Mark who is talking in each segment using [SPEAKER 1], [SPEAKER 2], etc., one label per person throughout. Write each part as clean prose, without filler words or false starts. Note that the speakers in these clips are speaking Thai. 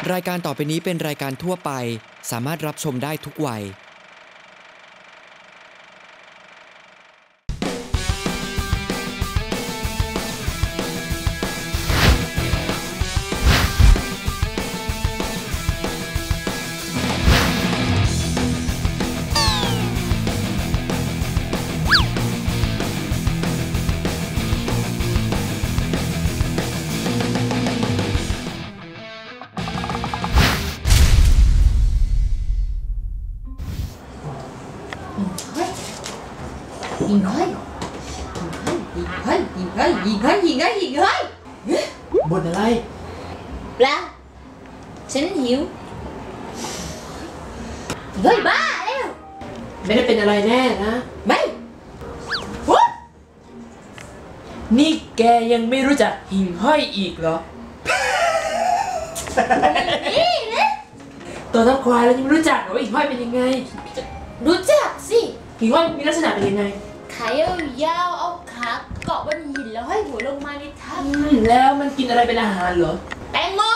[SPEAKER 1] รายการต่อไปนี้เป็นรายการทั่วไปสามารถรับชมได้ทุกวัย
[SPEAKER 2] หิ่งห้อย
[SPEAKER 3] บ่นอะไร
[SPEAKER 2] เปล่าฉันหิวเฮ้ยบ้าแล้ว
[SPEAKER 3] ไม่ได้เป็นอะไรแน่นะ
[SPEAKER 2] ไม่
[SPEAKER 3] นี่แกยังไม่รู้จักหิ่งห้อยอีกเหรอ
[SPEAKER 2] นี่นะ
[SPEAKER 3] ตัวทั้งควายแล้วยังไม่รู้จักเหรอว่าหิ่งห้อยเป็นยังไง
[SPEAKER 2] รู้จักสิ
[SPEAKER 3] หิ่งห้อยมีลักษณะเป็นยังไง
[SPEAKER 2] ขายาวเอาขาเกาะบนหินแล้วให้หัวลงมาในถ้
[SPEAKER 3] ำแล้วมันกินอะไรเป็นอาหารเหรอ
[SPEAKER 2] แตงโม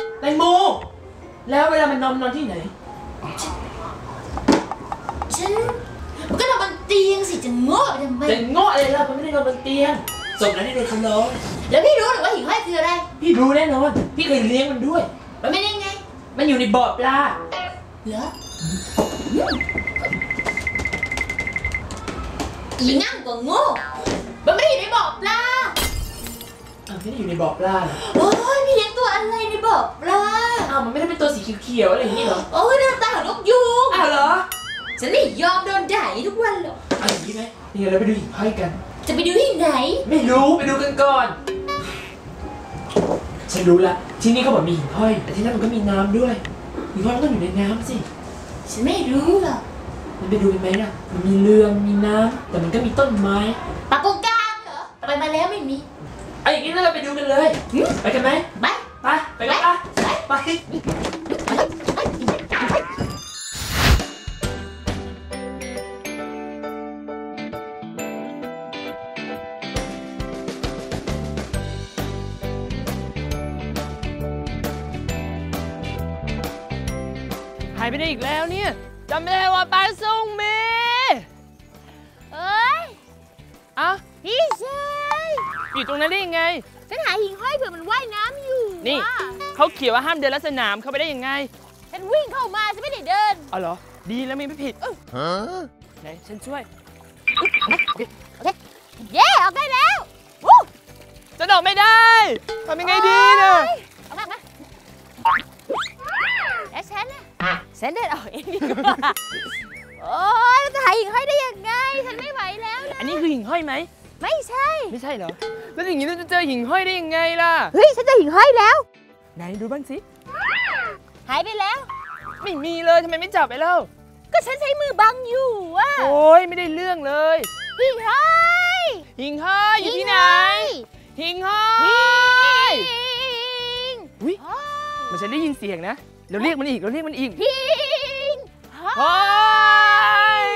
[SPEAKER 3] แล้วเวลามันนอนที่ไหน
[SPEAKER 2] ฉันมันก็นอนบนเตียงสิจะโง่ทำไม
[SPEAKER 3] จะโง่อะไรล่ะมันไม่ได้นอนบนเตียงศพนั้นนี่โดนคำร้อง
[SPEAKER 2] แล้วพี่รู้หรือว่าหิ่งห้อยคืออะไร
[SPEAKER 3] พี่รู้แน่นอนพี่เคยเลี้ยงมันด้วย
[SPEAKER 2] มันเป็นยังไง
[SPEAKER 3] มันอยู่ในบ่อปลา
[SPEAKER 2] เหรออีนั่งก็โง่มันไม่ได้อยู่ในบ่อปลา
[SPEAKER 3] ไม่ได้อยู่ในบ่อปลา
[SPEAKER 2] โอ้ยพี่เลี้ยงตัวอะไรในบ่อปลา
[SPEAKER 3] มันไม่ได้เป็นตัวสีเขียวๆอะไรอย่างนี้เหรอ
[SPEAKER 2] โอ้ยหน้าตาของนกยูง
[SPEAKER 3] เหรอ
[SPEAKER 2] ฉันไม่ยอมโดนด่าทุกวันหรอก
[SPEAKER 3] อย่างนี้ไหมเดี๋ยวเราไปดูหิ่งห้อยกัน
[SPEAKER 2] จะไปดูที่ไหน
[SPEAKER 3] ไม่รู้ไปดูกันก่อนฉันรู้ละที่นี่เขาบอกมีหิ่งห้อยแต่ที่นั่นมันก็มีน้ำด้วยหิ่งห้อยมันก็อยู่ในน้ำสิ
[SPEAKER 2] ฉันไม่รู้หรอก
[SPEAKER 3] มันไปดูกันไหมล่ะมันมีเรือมีน้ำแต่มันก็มีต้นไม้
[SPEAKER 2] ปากกงกลางเหรอไปมาแล้วไม่มี
[SPEAKER 3] อย่างนี้เราไปดูกันเลยไปกันไหม
[SPEAKER 2] ไป
[SPEAKER 3] กันไปหายไปได้อีกแล้วเนี่ยจำไม่ได้ว่าปลาส่งเม
[SPEAKER 2] พี่ชาย
[SPEAKER 3] อยู่ตรงนั้นได้ยังไง
[SPEAKER 2] ฉันหาหิ่งห้อยเผื่อมันว่ายน้ำอยู่
[SPEAKER 3] นี่เขาเขียนว่าห้ามเดินลัดสนามเข้าไปได้ยังไง
[SPEAKER 2] ฉันวิ่งเข้ามาฉันไม่ได้เดิน
[SPEAKER 3] เหรอดีแล้วไม่ผิดไหนฉันช่วย
[SPEAKER 2] โอเคเย้ออกได้แล้ว
[SPEAKER 3] จะออกไม่ได้ทำยังไงดีเนี่ย
[SPEAKER 2] ออกมาแล้วฉันเดินออกเองดีกว่าโอ๊ยเราจะหาหิ่งห้อยได้ยังไงฉันไม่ไหวแล้วนะ
[SPEAKER 3] อันนี้คือหิ่งห้อยไหม
[SPEAKER 2] ไม่ใช่
[SPEAKER 3] เหรอแล้วอย่างนี้เราจะเจอหิ่งห้อยได้ยังไงล่ะ
[SPEAKER 2] เฮ้ยฉันเจอหิ่งห้อยแล้ว
[SPEAKER 3] ไหนดูบ้างสิ
[SPEAKER 2] หายไปแล้ว
[SPEAKER 3] ไม่มีเลยทำไมไม่จับไปแล้ว
[SPEAKER 2] ก็ฉันใช้มือบังอยู่อะ
[SPEAKER 3] โอ๊ยไม่ได้เรื่องเลย
[SPEAKER 2] หิ่งห้อย
[SPEAKER 3] อยู่ที่ไหนหิ่งห้อยอุ้ยมันฉันได้ยินเสียงนะเราเรียกมันอีก
[SPEAKER 2] หิ่ง
[SPEAKER 3] ห้อย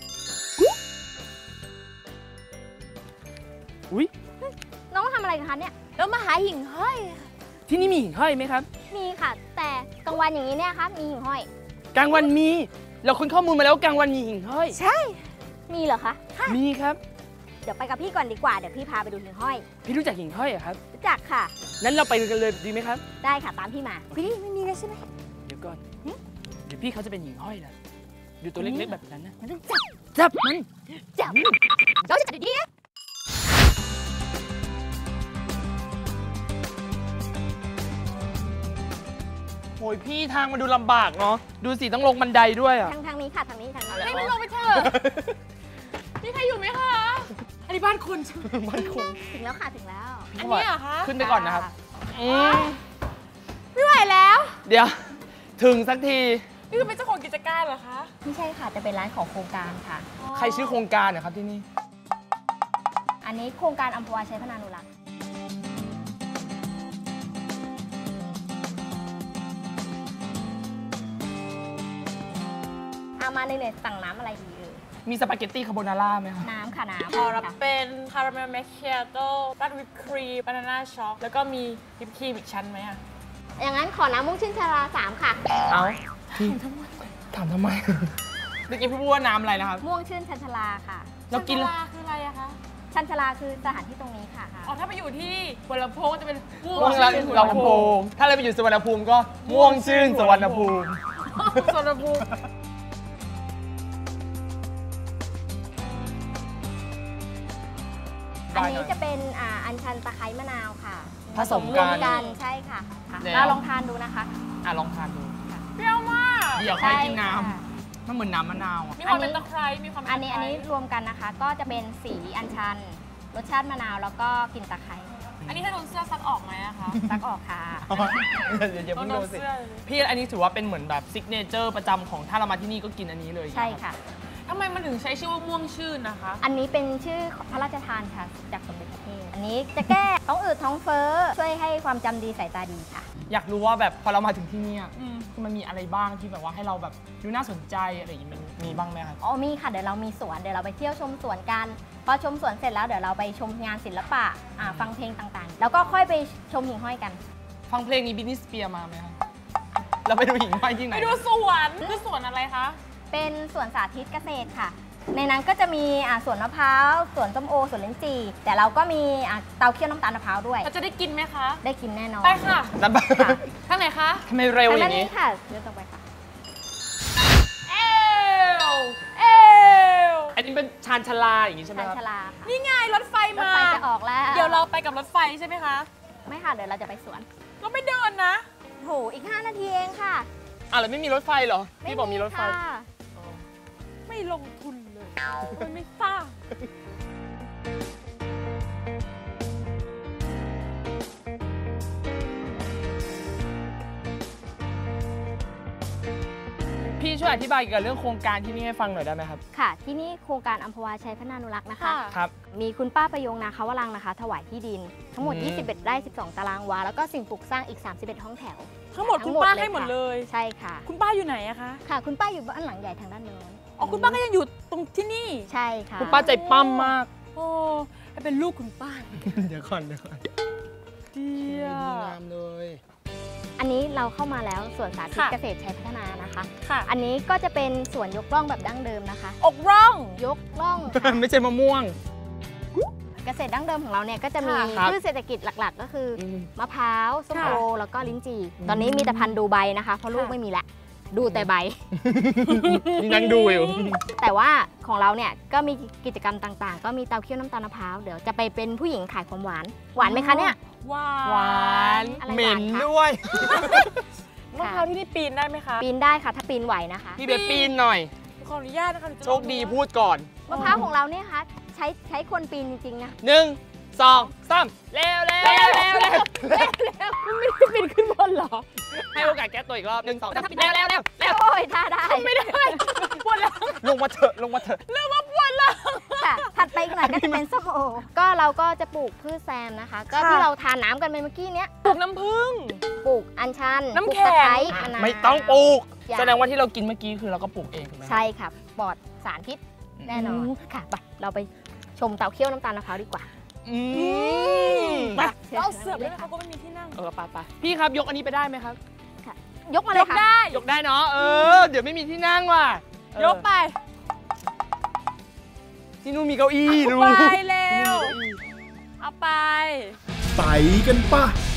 [SPEAKER 3] อุ้ย
[SPEAKER 2] น้องทำอะไรกันคะเนี่ยเรามาหาหิ่งห้อย
[SPEAKER 3] ที่นี่มีหิ่งห้อยไหมครับ
[SPEAKER 2] มีค่ะแต่กลางวันอย่างนี้เนี่ยครับมีหิ่งห้อย
[SPEAKER 3] กลางวันมีเราค้นข้อมูลมาแล้วกลางวันมีหิ่งห้อย
[SPEAKER 2] ใช่มีเหรอคะ
[SPEAKER 3] มีครับ
[SPEAKER 2] เดี๋ยวไปกับพี่ก่อนดีกว่าเดี๋ยวพี่พาไปดูหิ่งห้อย
[SPEAKER 3] พี่รู้จักหิ่งห้อยอะครับ
[SPEAKER 2] รู้จักค่ะ
[SPEAKER 3] นั้นเราไปกันเลยดีไหมครับ
[SPEAKER 2] ได้ค่ะตามพี่มาพี่ไม่มีเลยใช่ไหม
[SPEAKER 3] เดี๋ยวก่อนเดี๋ยวพี่เขาจะเป็นหิ่งห้อยนะดูตัวเล็กๆแบบนั้นนะ
[SPEAKER 2] มันต้อง
[SPEAKER 3] จับมัน
[SPEAKER 2] เราจะจับดีๆ
[SPEAKER 3] โอ้ยพี่ทางมันดูลำบากเนาะดูสิต้องลงบันไดด้วยอ่ะ
[SPEAKER 2] ทางนี้ค่ะทางนี้
[SPEAKER 3] ให้มันลงไปเถอะมีใครอยู่ไหมคะอันนี้บ้านคุณ
[SPEAKER 2] ถึงแล้วค่ะถึงแล้ว
[SPEAKER 3] อันนี้เหรอคะขึ้นไปก่อนนะครับ
[SPEAKER 2] ไม่ไหวแล้ว
[SPEAKER 3] เดี๋ยวถึงสักที
[SPEAKER 4] นี่คือเป็นเจ้าของกิจการเหรอคะ
[SPEAKER 2] ไม่ใช่ค่ะจะเป็นร้านของโครงการค่ะ
[SPEAKER 3] ใครชื่อโครงการนะครับที่นี่
[SPEAKER 2] อันนี้โครงการอัมพวาชัยพนานุรักษ์มาในเนี่ยสั่งน้ำอะไรดี
[SPEAKER 3] มีสปาเกตตี้คาโบนาร่าไหมคะ
[SPEAKER 2] น้ำค่ะน้ำ
[SPEAKER 4] ขอรับเป็นคาราเมลแมคคิอาโต้ราดวิปครีมบานาน่าช็อกแล้วก็มีวิปครีมอีกชั้นไหมอะ
[SPEAKER 2] อย่างนั้นขอน้ำม่วงชื่นชาลา3ค่ะ
[SPEAKER 3] เอาพี่ถามทำไมเมื่อกี้พูดว่าน้ำอะไรนะครับ
[SPEAKER 2] ม่วงชื่นชันชาลาค่ะ
[SPEAKER 3] เรากิน
[SPEAKER 4] ชันชาลาคืออะไรอะคะ
[SPEAKER 2] ชันชาลาคือสถานที่ตรงนี้ค่ะ
[SPEAKER 4] อ๋อ ถ้าไปอยู่ที่หัวลำโพงจะเป็นม่ว
[SPEAKER 3] ม่วง
[SPEAKER 4] งชื่น
[SPEAKER 3] ลำโพงถ้าเราไปอยู่สุวรรณภูมิก็ม่วงชื่นสุวรรณภูมิ
[SPEAKER 4] สวนลำพูง
[SPEAKER 2] อันนี้จะเป็นอัญชันตะไคร้มะนาวค่ะ
[SPEAKER 3] ผสมกัน
[SPEAKER 2] รวกันใช่ค่ะ
[SPEAKER 3] แล้ว
[SPEAKER 2] เราลองทานดูนะคะ
[SPEAKER 3] ลองทานดู
[SPEAKER 4] เปรี้ยวมาก
[SPEAKER 3] เดี๋ยวค่อยกินน้
[SPEAKER 2] ใช่ค่ะ
[SPEAKER 3] ำมันเหมือนน้ำมะนาวอะ
[SPEAKER 4] มีความเป็นตะไคร้มีความเป็น
[SPEAKER 2] อั
[SPEAKER 4] ตะ
[SPEAKER 2] น
[SPEAKER 4] ไคร้
[SPEAKER 2] นี้รวมกันนะคะ ก็จะเป็นสีอัญชัน รสชาติมะนาวแล้วก็กลิ่นตะไคร้
[SPEAKER 4] อันนี้ถ้าโดนเสื้อซักออกไหมอะคะ
[SPEAKER 2] ซักออกค่ะ
[SPEAKER 3] เดี๋ยวเพิ่ง
[SPEAKER 4] โด
[SPEAKER 3] ดู
[SPEAKER 4] น
[SPEAKER 3] สิ
[SPEAKER 4] เสื้อเลย
[SPEAKER 3] พี่อันนี้ถือว่าเป็นเหมือนแบบซิกเนเจอร์ประจำของถ้าเรามาที่นี่ก็กินอันนี้เลย
[SPEAKER 2] ใช่ค่ะ
[SPEAKER 4] ทำไมมันถึงใช้ชื่อว่าม่วงชื่นนะคะ
[SPEAKER 2] อันนี้เป็นชื่อพระราชทานค่ะจากสมเด็จพระเทพอันนี้จะแก้ท้องอืดท้องเฟ้อช่วยให้ความจำดีสายตาดีค่ะ
[SPEAKER 3] อยากรู้ว่าแบบพอเรามาถึงที่เนี่ย
[SPEAKER 4] อืม
[SPEAKER 3] มันมีอะไรบ้างที่แบบว่าให้เราแบบดูน่าสนใจอะไรอย่างงี้มันมีบ้างไหมครับ
[SPEAKER 2] อ๋อมีค่ะ เดี๋ยวเรามีสวน เดี๋ยวเราไปเที่ยวชมสวนกัน พอชมสวนเสร็จแล้วเดี๋ยวเราไปชมงานศิลปะฟังเพลงต่างๆ แล้วก็ค่อยไปชมหิ่งห้อยกัน
[SPEAKER 3] ฟังเพลงนี้บินนี่สเปียร์มาไหมครับเราไปดูหิ่งห้อยที่ไหน
[SPEAKER 4] ไปดูสวนคือสวนอะไรคะ
[SPEAKER 2] เป็นสวนสาธิตเกษตรค่ะ ในนั้นก็จะมีสวนมะพร้าวสวนส้มโอสวนลิ้นจี่แต่เราก็มีเตาเคี่ยวน้ำตาลมะพร้าวด้วย
[SPEAKER 4] เราจะได้กินไหมคะ
[SPEAKER 2] ได้กินแน่นอน
[SPEAKER 4] ไปค่ะ
[SPEAKER 3] นั่นปะ
[SPEAKER 2] ค่ะ
[SPEAKER 4] ทางไหนคะ
[SPEAKER 3] ทำไมเร็วอ
[SPEAKER 2] ทางด้า
[SPEAKER 3] ย่าน ง
[SPEAKER 2] นี้
[SPEAKER 3] นี้
[SPEAKER 2] ค่ะเดินตรงไปค่ะ
[SPEAKER 4] เอวเอว
[SPEAKER 3] อันนี้เป็นชานชาลาอย่างงี้ใช่ไหม
[SPEAKER 2] ชาน
[SPEAKER 3] ครับ
[SPEAKER 2] ชาลาค่ะ
[SPEAKER 4] นี่ไงรถไฟ
[SPEAKER 2] รถ
[SPEAKER 4] มา
[SPEAKER 2] ไฟจะออกแล้ว
[SPEAKER 4] เดี๋ยวเราไปกับรถไฟใช่ไหมคะ
[SPEAKER 2] ไม่ค่ะ เดี๋ยวเราจะไปสวน
[SPEAKER 4] เราไม่เดินนะ
[SPEAKER 2] โหอีก 5 นาทีเองค่ะ
[SPEAKER 3] แล้วไม่มีรถไฟเหรอพี่บอกมีรถไฟ
[SPEAKER 2] ค่ะ
[SPEAKER 4] ไม่ลงทุนเลยมันไม่สร้าง
[SPEAKER 3] พี่ช่วยอธิบายเกี่ยวกับเรื่องโครงการที่นี่ให้ฟังหน่อยได้ไหมครับ
[SPEAKER 2] ค่ะ ที่นี่โครงการอัมพวาชัยพนานุรักษ์นะคะ
[SPEAKER 4] ค่ะ
[SPEAKER 3] ครับ
[SPEAKER 2] มีคุณป้าประยงนาคาวรังนะคะ ถวายที่ดิน ทั้งหมด
[SPEAKER 3] อืม
[SPEAKER 2] 21 ไร่ 12 ตารางวา แล้วก็สิ่งปลูกสร้างอีก 31 ห้องแถว
[SPEAKER 4] ทั้งหมดคุณป้าให้หมดเลย
[SPEAKER 2] ใช่ค่ะ
[SPEAKER 4] คุณป้าอยู่ไหนอะคะ
[SPEAKER 2] ค่ะ คุณป้าอยู่บ้านหลังใหญ่ทางด้านโน้น
[SPEAKER 4] อ๋อ คุณป้าก็ยังอยู่ตรงที่นี่
[SPEAKER 2] ใช่ค่ะ
[SPEAKER 3] คุณป้าใจปั้มมาก
[SPEAKER 4] โอ้ให้เป็นลูกคุณป้า
[SPEAKER 3] เดี๋ยวก่อน
[SPEAKER 4] เดีย
[SPEAKER 3] งามเลย
[SPEAKER 2] อันนี้เราเข้ามาแล้วสวนสาธิต
[SPEAKER 4] ค่ะ
[SPEAKER 2] เกษตรชัยพัฒนานะคะ
[SPEAKER 4] ค่ะ
[SPEAKER 2] อันนี้ก็จะเป็นสวนยกร่องแบบดั้งเดิมนะคะ
[SPEAKER 4] อกร่อง
[SPEAKER 2] ยกร่องค่ะ
[SPEAKER 3] ไม่ใช่มะม่วง
[SPEAKER 2] เกษตรดั้งเดิมของเราเนี่ยก็จะมี
[SPEAKER 3] ครับ
[SPEAKER 2] พืชเศรษฐกิจหลักๆ ก็คืออ
[SPEAKER 3] ม
[SPEAKER 2] มะพร้าวส้มโอ
[SPEAKER 4] ค่ะ
[SPEAKER 2] แล้วก็ลิ้นจี่ตอนนี้มีแต่พันธุ์ดูใบนะคะ เพราะลูก
[SPEAKER 4] ค่ะ
[SPEAKER 2] ไม่มีแล้วดูแต่ใบ
[SPEAKER 3] นี่นั่งดูอยู่
[SPEAKER 2] แต่ว่าของเราเนี่ยก็มีกิจกรรมต่างๆ ก็มีเตาเคี่ยวน้ำตาลมะพร้าวเดี๋ยวจะไปเป็นผู้หญิงขายความหวาน หวานไหมคะเนี่ย
[SPEAKER 4] หวา
[SPEAKER 3] หวาน
[SPEAKER 2] อะไร
[SPEAKER 3] เหม็น
[SPEAKER 2] หวานคะ
[SPEAKER 3] ด้วย
[SPEAKER 4] มะพร้าวที่นี่ปีนได้ไหมคะ
[SPEAKER 2] ปีนได้ค่ะถ้าปีนไหวนะคะ
[SPEAKER 3] พี่เบสปีนหน่อย
[SPEAKER 4] ขออนุญาตนะคะหนูจะ
[SPEAKER 3] โชคดีพูดก่อน
[SPEAKER 2] มะพร้าวของเราเนี่ยค่ะใช้คนปีนจริงๆนะ
[SPEAKER 3] 1 2 3เร็วเร็วเร็วเร็วเร็ว
[SPEAKER 4] ปีนขึ้นบนเหรอ
[SPEAKER 3] ให้โอกาสแก้ตัวอีกรอบ1 2 3เร็วเร็วเร็วเร็ว
[SPEAKER 2] โอ้ยท่าได้
[SPEAKER 4] ไม่ได้ปวดหลัง
[SPEAKER 3] ลงมาเถอะลงมาเถอะ
[SPEAKER 4] เรื่องว่าปวดหลัง
[SPEAKER 2] ค่ะถัดไปอีกหน่อยก็จะเป็นส้มโอก็เราก็จะปลูกพืชแซมนะคะ ก็
[SPEAKER 4] ค่ะ
[SPEAKER 2] ที่เราทานน้ำกันไปเมื่อกี้เนี้ย
[SPEAKER 4] ปลูกน้ำผึ้ง
[SPEAKER 2] ปลูกอัญชัน
[SPEAKER 4] น้ำ
[SPEAKER 2] ปลูก
[SPEAKER 4] แข็
[SPEAKER 2] ตะ
[SPEAKER 4] ง
[SPEAKER 2] ไคร้มะนาว
[SPEAKER 3] ไม่ต้องปลูก
[SPEAKER 2] อย่
[SPEAKER 3] แสดงว่าที่เรากินเมื่อกี้คือเราก็ปลูกเองถูกไหม
[SPEAKER 2] ใช่ค่ะปลอดสารพิษแน่นอนค่ะไปเราไปชมเตาเคี่ยวน้ำตาลมะพร้าวดีกว่า
[SPEAKER 3] อืม
[SPEAKER 2] ไป
[SPEAKER 4] เราเอาเสือไปเลยเขาก็ไม่มีที่นั่ง
[SPEAKER 3] ไปพี่ครับยกอันนี้ไปได้ไหมครับ
[SPEAKER 2] ยกมาเลย
[SPEAKER 4] ก
[SPEAKER 2] ค่ะ
[SPEAKER 4] ได้
[SPEAKER 3] ยกได้เนาะเดี๋ยวไม่มีที่นั่งว่ะ
[SPEAKER 4] ยกไป
[SPEAKER 3] ที่นู่นมีเก้าอี้ดู
[SPEAKER 4] ไปเร็ว เอาไป
[SPEAKER 5] ไปกันป่ะ